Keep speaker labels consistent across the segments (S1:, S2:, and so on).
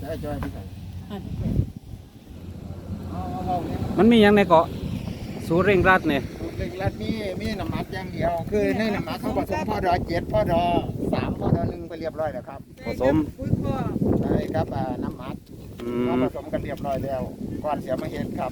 S1: ได้จอยที่ไหน
S2: มันมีอย่างในเกาะสูตรเร่งรัดเนี่ย
S1: เร่งรัดมีน้ำมัดอย่างเดียวคือในน้ำมัดเขาผสมพ่อดอ7พ่อดอ3พ่อดอ1ไปเรียบร้อยแล้วครับ
S2: ผสม
S1: ใช่ครับน้ำมัดเขาผสมกันเรียบร้อยแล้วก่อนเสียมาเห็ดครับ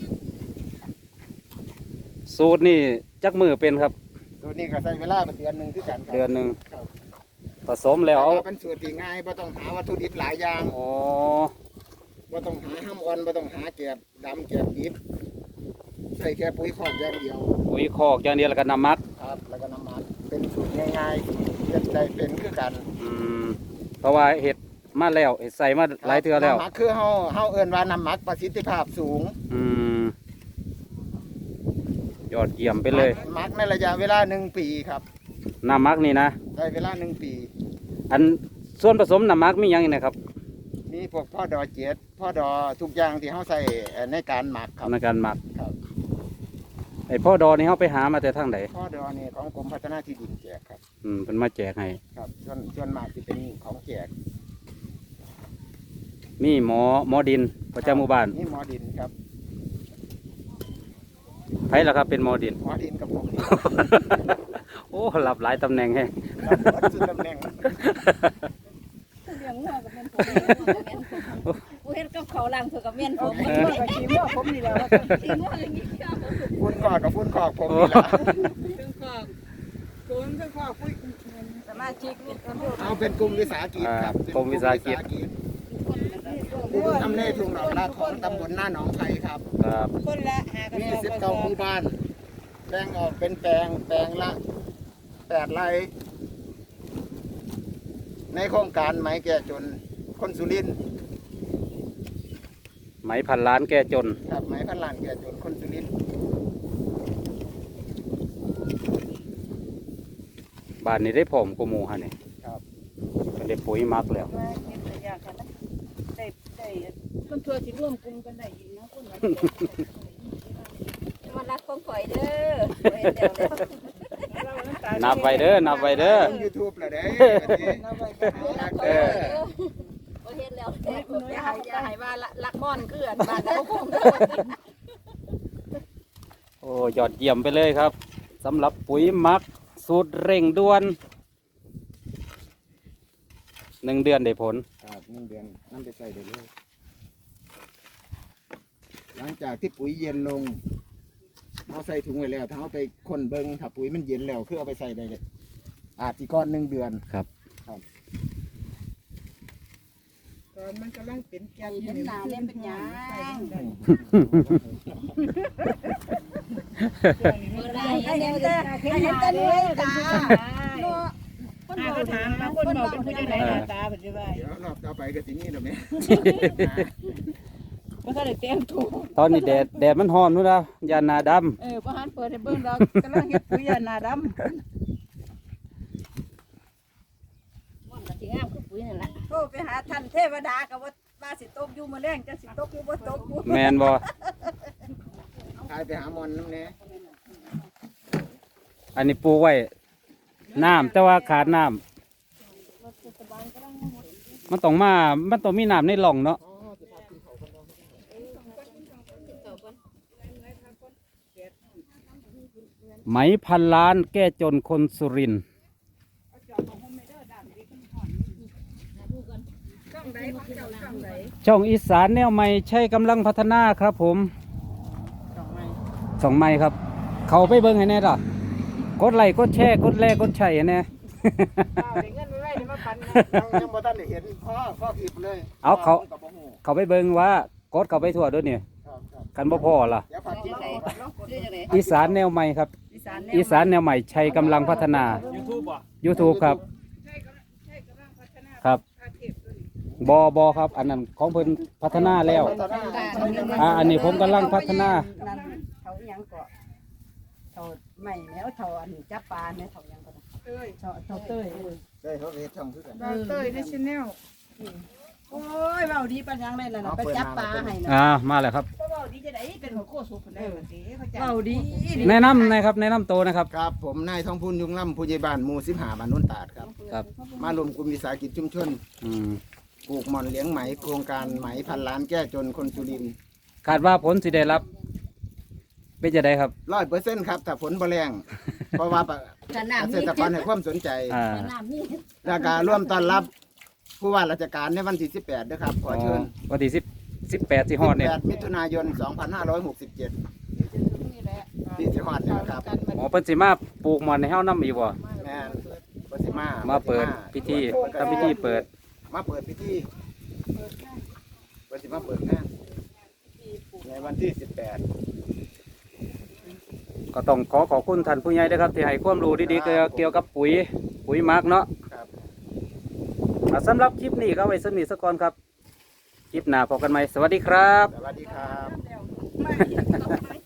S2: สูตรนี่จักมือเป็นครับ
S1: ตัวนี้ก็ใช้เวลาเป็นเดือนหนึ่งที่กัน
S2: เดือนหนึ่งผสมแล้ว
S1: เป็นสูตรที่ง่ายไม่ต้องหาวัตถุดิบหลายอย่าง
S2: อ๋อ
S1: ไม่ต้องหาห้ามอ่อนไม่ต้องหาแกบดำแกบดิบใส่แค่ปุ๋ยคอกอย่างเดียว
S2: ปุ๋ยคอกอย่างเดียวแล้วก็น้ำมัก
S1: ครับแล้วก็น้ำมันเป็นสูตรง่ายๆเฮ็ดใจเป็นคือกัน
S2: เพราะว่าเห็ดมาแล้วเห็ดใส่มาหลายเทื่อแล้ว
S1: น้ำมักคือเฮาเอิ้นว่าน้ำมักประสิทธิภาพสูง
S2: ยอดเยี่ยมไปเลย
S1: มักในระยะเวลา1 ปีครับ
S2: น้ำมักนี่นะ
S1: ใช้เวลา1 ปี
S2: อันส่วนผสมน้ำมักมีอย่างไรนะครับ
S1: มีพวกพ่อดอ7พ่อดอทุกอย่างที่เขาใส่ในการหมักครับ
S2: ในการหมัก
S1: ครับ
S2: ไอพ่อดอนี่เขาไปหามาแต่ทางไหน
S1: พ่อดอนี่ของกรมพัฒนาที่ดินแจกครับ
S2: เป็นมาแจกให้
S1: ครับส่วนมากที่เป็นของแจก
S2: มีหมอดินประจำหมู่บ้าน
S1: นี่หมอดินครับ
S2: ใครล่ะครับเป็นหมอดิน
S1: กับผม
S2: โอ้หลับหลายตำแหน่งแฮะ
S1: รับสุดตำแหน่ง
S3: เลี้ยงงัวกับเมียนผมกูเห็นกับเขาล่างถือกับเมียนผม
S1: ขี้งัวผมนี่แหละ
S3: ขี้งัวอย่างนี้
S1: ฟุ้นคอกกับฟุ้นคอกผมนี่แหละ
S3: ฟุ้นคอกฟุ้นสมาชิก
S1: เอาเป็นกลุ่มวิสาหกิจครับ
S2: กลุ่มวิสาหกิจ
S1: ทำเลทุ่งดอกลาของตำบลหน้าหนองไทรครับ
S3: คนละ
S1: มี19 หมู่บ้านแบ่งออกเป็นแปลงละ8 ไร่ในโครงการไหมแก่จนคนสุรินทร์
S2: ไหมพันล้านแก่จน
S1: ครับไหมพันล้านแก่จนคนสุรินทร์
S2: บ้านนี้ได้ผมกูมูฮะเนี่ย
S1: ครับ
S2: ก็ได้ปุ๋ยมักแล้ว
S3: คนทัวร์ที่ร่วมกลุ่มกันได้ยินนะคนมารักของข่อยเด้อ
S2: นับไว้เด้อ
S1: ยูทูบละเด้
S3: เห็นแล้วอย่าให้ว่าลักม่อนเกลื่อนบ้านแล้วคง
S2: โอ้ยอดเยี่ยมไปเลยครับสำหรับปุ๋ยมักสูตรเร่งด่วน1 เดือนได้ผล
S1: ครับ1 เดือนนั่นไปใส่ได้เลยหลังจากที่ปุ๋ยเย็นลงเราใส่ถุงไว้แล้วถ้าเอาไปคนเบิ้งถ้าปุ๋ยมันเย็นแล้วคือเอาไปใส่ได้เลยอาจจะก้อน1 เดือน
S2: ครับ
S3: ตอนมันกำลังเป็นแกนเห็นหนาเล่นเป็นยางให้เห็นแต่เนื้อตาคนบอกถามมาคนบอกเป็นผู้ใดตาเป็นยังไง
S1: เดี๋ยวรอบต่อไปก็สินี่ดอกแม่
S3: บ่ทันได้เตรียมถูก
S2: ตอนนี้แดดมันร้อนนู่นนะยานาดำ
S3: บ่หันเปิดให้เบิ่งดอกกำลังเฮ็ดปุ๋ยยานาดำมันก็สิงามคือปุ๋ยนั่นล่ะโทรไปหาท่านเทวดาก็ว่าสิตกอยู่มื้อแลงจังสิตกอยู่บ่ตก
S2: แม่นบ่
S1: พาไปหาหมอนนำแน่
S2: อันนี้ปลูกไว้น้ำแต่ว่าขาดน้ำมันต้องมีน้ำในหล่องเนาะไหมพันล้านแก้จนคนสุรินทร์ช่องอีสานแนวใหม่ใช้กำลังพัฒนาครับผมช่องใหม่ครับเขาไปเบิ้งให้แน่ล่ะกดไลค์กดแชร์กดแลกดแชร์แน่
S1: ยังบ่ทันได้เห็นพ่อผิดเลย
S2: เอาเขาไปเบิ้งว่ากดเขาไปทั่วด้วยเนี่ยกันบ่พอล่ะอีสานแนวใหม่ครับอีสานแนวใหม่ใช้กำลังพัฒนา YouTube ครับครับบอครับอันนั้นของเพิ่นพัฒนาแล้วอันนี้ผมกำลังพัฒนา
S3: เขายังเกาะเขาใหม่แล้วเขาอันจับปลาเนี่ยเขายังก็เขาเต้ย
S1: เขาเฮ็ดช่องคือกัน
S3: เต้ยในชแนลโอ้ยเบาดีปัญญังเลยนะไปจับปลาให้นะ
S2: มาแล้วครับ
S3: เบาดีจะได้เป็นหัวโคสุกคนได้เบาดี
S2: แนะนำนะครับแนะนำโตนะครับ
S1: ครับผมนายทองพูนยุงล่ำผู้ใหญ่บ้านหมู่15บ้านโนนตาดครับมารวมกลุ่มวิสาหกิจชุมชนปลูกหม่อนเลี้ยงไหมโครงการไหมพันล้านแก้จนคนสุรินทร์
S2: คาดว่าผลสิได้รับเป็นจะได้ครับ
S1: 100%ครับถ้าฝนบ่แรง เพราะว่าเกษตรกรให้ความสนใจ
S2: อ่า
S3: น้ำนี่
S1: และการร่วมต้อนรับผู้ว่าราชการในวันที่18ด้วยครับขอเชิญ
S2: วันที่18สิฮอดเนี่ย
S1: 18มิถุนายน 2567ที่สิฮอดเนี่ยนะครับ
S2: หมอเพิ่นสิมาปลูกหม่อนให้เฮานำอีกบ่
S1: แม่นปฏิมา
S2: มาเปิดพิธีทำพิธีเปิด
S1: มาเปิดพิธีปฏิมาเปิดงานในวันที่
S2: ก็ต้องขอบคุณท่านผู้ใหญ่ด้วยครับที่ให้ความรู้ดีๆเกี่ยวกับปุ๋ยหมักเนาะ
S1: 18ครับ
S2: สำหรับคลิปนี้ก็ไว้สนิทสักก่อนครับ คลิปหน้าพบกันใหม่สวัสดีครับ
S1: สวัสดีครับ
S3: ไม่